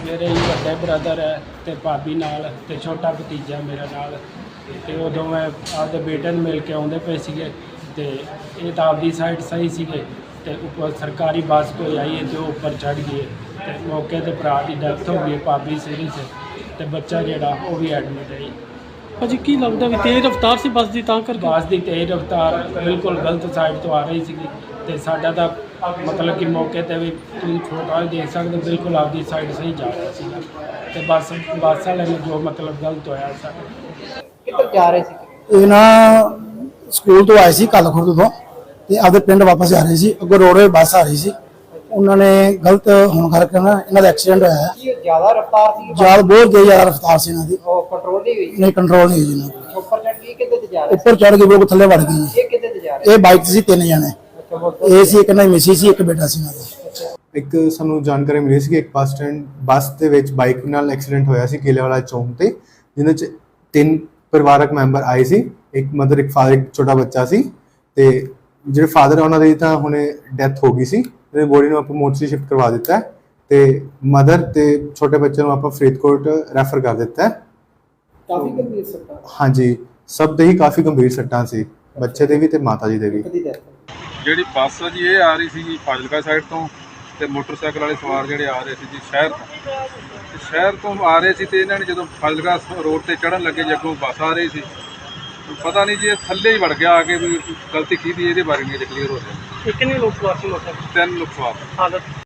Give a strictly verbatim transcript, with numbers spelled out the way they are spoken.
ਮੇਰੇ ਹੀ ਵੱਡੇ ਬ੍ਰਦਰ ਹੈ ਤੇ ਭਾਬੀ ਨਾਲ ਤੇ ਛੋਟਾ ਭਤੀਜਾ ਮੇਰਾ ਨਾਲ ਤੇ ਉਦੋਂ ਮੈਂ ਆਪਦੇ ਬੇਟੇ ਨੂੰ ਮਿਲ ਕੇ ਆਉਂਦੇ ਪਏ ਸੀਗੇ ਤੇ ਇਹ ਤਾਂ ਆਪਦੀ ਸਾਈਡ ਸਹੀ ਸੀਗੇ ਤੇ ਉੱਪਰ ਸਰਕਾਰੀ ਬੱਸ ਕੋਈ ਆਈ ਹੈ ਤੇ ਉਹ ਉੱਪਰ ਚੜ੍ਹ ਗਈ ਤੇ ਮੌਕੇ ਤੇ ਭਰਾ ਦੀ ਡੈਥ ਹੋ ਗਈ, ਭਾਬੀ ਸੀਰੀਅਸ ਹੈ ਤੇ ਬੱਚਾ ਜਿਹੜਾ ਉਹ ਵੀ ਐਡਮਿਟ ਹੈ। ਭਾਜੀ ਕੀ ਲੱਗਦਾ ਵੀ ਤੇਜ਼ ਰਫ਼ਤਾਰ ਸੀ ਬੱਸ ਦੀ ਤਾਂ ਕਰਕੇ? ਬੱਸ ਦੀ ਤੇਜ਼ ਰਫ਼ਤਾਰ ਬਿਲਕੁਲ ਗਲਤ ਸਾਈਡ ਤੋਂ ਆ ਰਹੀ ਸੀਗੀ ਤੇ ਸਾਡਾ ਤਾਂ ਮਤਲਬ ਕਿ ਮੌਕੇ ਤੇ ਵੀ ਤੁਸੀਂ ਫੋਟੋ ਦੇਖ ਸਕਦੇ ਬਿਲਕੁਲ ਆਪਦੀ ਸਾਈਡ ਸਹੀ ਜਾ ਰਿਹਾ ਸੀਗਾ ਤੇ ਬੱਸ ਬੱਸ ਵਾਲੇ ਨੂੰ ਜੋ ਮਤਲਬ ਗਲਤ ਹੋਇਆ ਸਾਡਾ। ਕਿੱਧਰ ਜਾ ਰਹੇ ਸੀ? ਇਹ ਨਾ ਸਕੂਲ ਤੋਂ ਆਏ ਸੀ ਕੱਲ ਖੁਰਦ ਤੋਂ ਤੇ ਆਪਦੇ ਪਿੰਡ ਵਾਪਸ ਜਾ ਰਹੇ ਸੀ। ਅੱਗੋਂ ਰੋਡਵੇ ਬੱਸ ਆ ਰਹੀ ਸੀ, ਉਹਨਾਂ ਨੇ ਗਲਤ ਹੋਣ ਕਰਕੇ ਨਾ ਇਹਨਾਂ ਦਾ ਐਕਸੀਡੈਂਟ ਹੋਇਆ ਹੈ। ਕੀ ਜ਼ਿਆਦਾ ਰਫ਼ਤਾਰ ਸੀ? ਜ਼ਿਆਦਾ ਬਹੁਤ ਤੇਜ਼ ਜ਼ਿਆਦਾ ਰਫ਼ਤਾਰ ਸੀ ਇਹਨਾਂ ਦੀ, ਉਹ ਕੰਟਰੋਲ ਨਹੀਂ ਹੋਈ? ਨਹੀਂ ਕੰਟਰੋਲ ਨਹੀਂ ਹੋਈ ਇਹਨਾਂ ਦੀ। ਉੱਪਰ ਚੜ੍ਹ ਗਈ? ਕਿੱਧਰ ਤੇ ਜਾ ਰਹੇ ਉੱਪਰ ਚੜ੍ਹ ਕੇ ਉਹ ਥੱਲੇ ਵੜ ਗਈ। ਸੀ? ਇਹ ਕਿੱਧਰ ਤੇ ਜਾ ਰਹੇ ਇਹ ਬਾਈਕ 'ਤੇ ਸੀ ਤਿੰਨ ਜਣੇ, ਅੱਛਾ, ਮੋਟਰ ਇਹ ਸੀ ਇੱਕ ਨਾਲ ਮਿਸੀ ਸੀ, ਇੱਕ ਬੇਟਾ ਸੀ ਇਹਨਾਂ ਦਾ। ਇੱਕ ਸਾਨੂੰ ਜਾਣਕਾਰੀ ਮਿਲੀ ਸੀ ਕਿ ਇੱਕ ਬੱਸ ਸਟੈਂਡ ਬੱਸ ਦੇ ਵਿੱਚ ਬਾਈਕ ਨਾਲ ਐਕਸੀਡੈਂਟ ਹੋਇਆ ਸੀ ਕੇਲੇ ਵਾਲਾ ਚੌਂਕ ਤੇ, ਜਿਹਦੇ 'ਚ ਤਿੰਨ ਪਰਿਵਾਰਕ ਮੈਂਬਰ ਆਏ ਸੀ, ਇੱਕ ਮਦਰ ਇੱਕ ਫਾਦਰ ਇੱਕ ਛੋਟਾ ਬੱਚਾ ਸੀ ਤੇ ਜਿਹੜੇ ਫਾਦਰ ਉਹਨਾਂ ਦੀ ਤਾਂ ਹੁਣੇ ਡੈਥ ਹੋ ਗਈ ਸੀ, ਤੇ ਬੋਡੀ ਨੂੰ ਆਪਾਂ ਮੋਰਚਰੀ ਸ਼ਿਫਟ ਕਰਵਾ ਦਿੱਤਾ ਹੈ ਤੇ ਮਦਰ ਤੇ ਛੋਟੇ ਬੱਚੇ ਨੂੰ ਆਪਾਂ ਫਰੀਦਕੋਟ ਰੈਫਰ ਕਰ ਦਿੱਤਾ ਹੈ। ਕਾਫੀ ਗੰਭੀਰ ਸੱਟਾਂ? ਹਾਂਜੀ, ਸਭ ਦੇ ਹੀ ਕਾਫੀ ਗੰਭੀਰ ਸੱਟਾਂ ਸੀ, ਬੱਚੇ ਦੇ ਵੀ ਤੇ ਮਾਤਾ ਜੀ ਦੇ ਵੀ। ਕਦੀ death? ਜਿਹੜੀ ਬੱਸ ਆ ਜੀ ਇਹ ਆ ਰਹੀ ਸੀ ਜੀ ਫਾਜ਼ਿਲਕਾ ਸਾਈਡ ਤੋਂ ਤੇ ਮੋਟਰਸਾਈਕਲ ਵਾਲੇ ਸਵਾਰ ਜਿਹੜੇ ਆ ਰਹੇ ਸੀ ਜੀ ਸ਼ਹਿਰ ਤੋਂ ਤੇ ਸ਼ਹਿਰ ਤੋਂ ਆ ਰਹੇ ਸੀ ਤੇ ਇਹਨਾਂ ਨੇ ਜਦੋਂ ਫਾਜ਼ਿਲਕਾ ਰੋਡ ਤੇ ਚੜ੍ਹਨ ਲੱਗੇ ਜੀ ਅੱਗੋਂ ਬੱਸ ਆ ਰਹੀ ਸੀ, ਪਤਾ ਨਹੀਂ ਜੀ ਇਹ ਥੱਲੇ ਹੀ ਵੜ ਗਿਆ ਆ ਕੇ, ਵੀ ਗਲਤੀ ਕੀਤੀ ਇਹਦੇ ਬਾਰੇ ਨਹੀਂ ਕਲੀਅਰ ਹੋ ਰਿਹਾ। ਕਿੰਨੇ ਲੋਕ ਸਵਾਰ ਸੀ ਮੋਟਰਸਾਈਕਲ? ਤਿੰਨ ਲੋਕ ਸਵਾਰ। ਹਾਲਤ